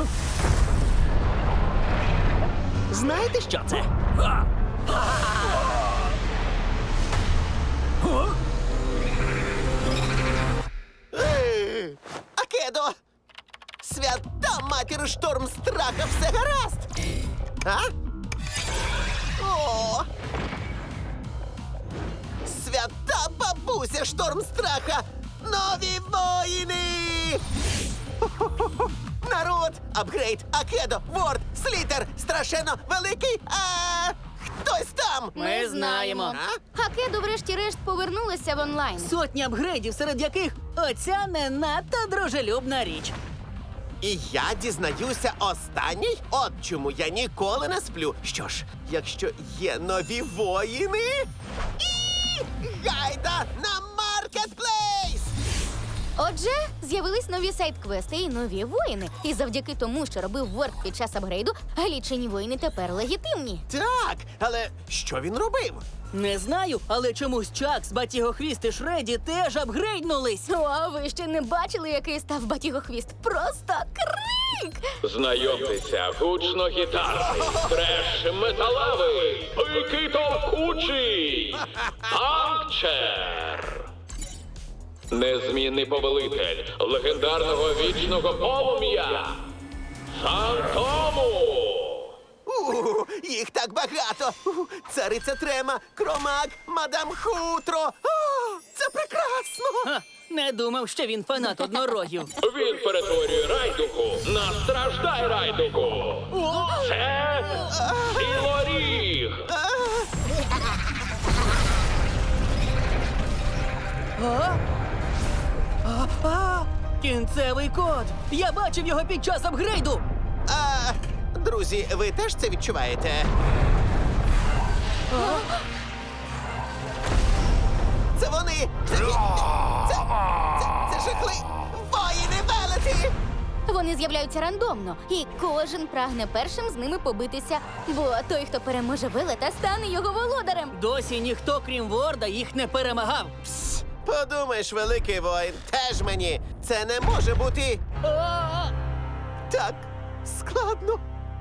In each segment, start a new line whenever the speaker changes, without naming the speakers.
Знаєте, що це?
Акедо! Свята матір шторм страха, все гаразд! А? О! Свята бабуся шторм страха! Нові воїни! Хо-хо-хо-хо! Народ! Апгрейд! Акедо! Ворд! Слітер! Страшенно великий! Хтось там!
Ми знаємо.
А?
Акедо врешті-решт повернулася в онлайн.
Сотні апгрейдів, серед яких оця не надто дружелюбна річ.
І я дізнаюся останній? От чому я ніколи не сплю. Що ж, якщо є нові воїни... Гайда на маркетплейс!
Отже, з'явились нові сайт-квести і нові воїни. І завдяки тому, що робив Ворд під час апгрейду, глічені воїни тепер легітимні.
Так, але що він робив?
Не знаю, але чомусь Чакс, Батігохвіст і Шреді теж апгрейднулись.
О, а ви ще не бачили, який став Батігохвіст? Просто крик!
Знайомтеся, гучно-гітарний, треш-металевий, пики товкучий, Панкчер. Незмінний повелитель легендарного вічного полум'я Фантому.
Їх так багато! Цариця Трема, Кромак, Мадам Хутро! О, це прекрасно!
Ха, не думав, що він фанат однорогів.
Він перетворює райдуку на страждай райдуку. Це цілоріг.
Кінцевий код! Я бачив його під час апгрейду!
Друзі, ви теж це відчуваєте? Це вони! Це жахли! Воїни велеті!
Вони з'являються рандомно, і кожен прагне першим з ними побитися, бо той, хто переможе велета, стане його володарем.
Досі ніхто, крім Ворда, їх не перемагав.
Подумаєш, великий воїн, теж мені! Це не може бути так складно.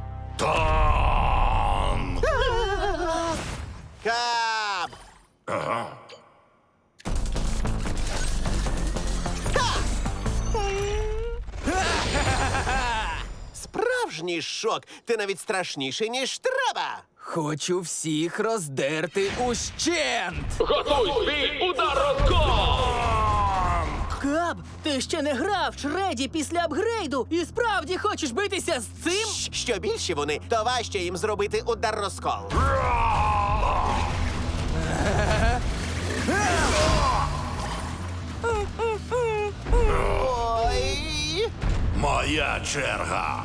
Кап! Справжній шок! Ти навіть страшніший, ніж треба!
Хочу всіх роздерти ущент!
Готуй свій удар розкол!
Каб, ти ще не грав Шреді після апгрейду і справді хочеш битися з цим?
Що більше вони, то важче їм зробити удар розкол. Ой!
Моя черга.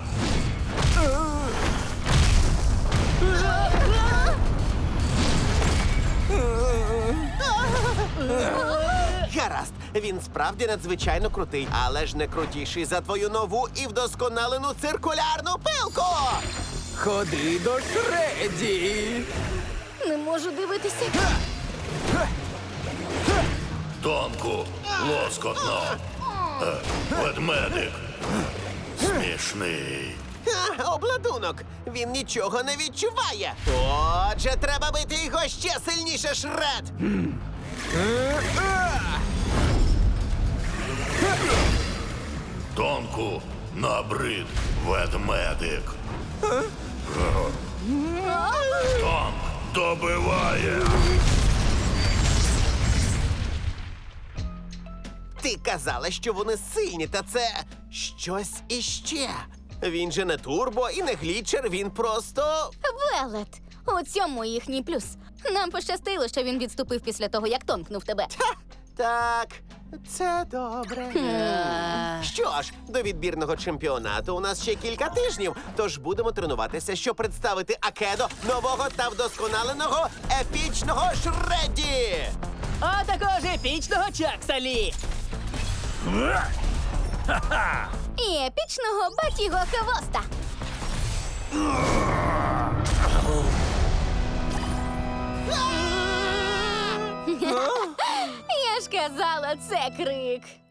Гаразд, він справді надзвичайно крутий, але ж не крутіший за твою нову і вдосконалену циркулярну пилку!
Ходи до Шреді!
Не можу дивитися.
Тонку, лоскотно. Ведмедик. Смішний.
Обладунок! Він нічого не відчуває! Отже, треба бити його ще сильніше, Шред!
Тонку, набрид, ведмедик. Тонк добиває.
Ти казала, що вони сильні, та це щось іще. Він же не турбо і не глічер, він просто...
Велет. У цьому їхній плюс. Нам пощастило, що він відступив після того, як тонкнув тебе.
Так, це добре. Що ж, до відбірного чемпіонату у нас ще кілька тижнів, тож будемо тренуватися, щоб представити Акедо нового та вдосконаленого епічного Шредді!
А також епічного Чакса-Лі!
І епічного Батіго Хвоста. Я ж казала, це крик.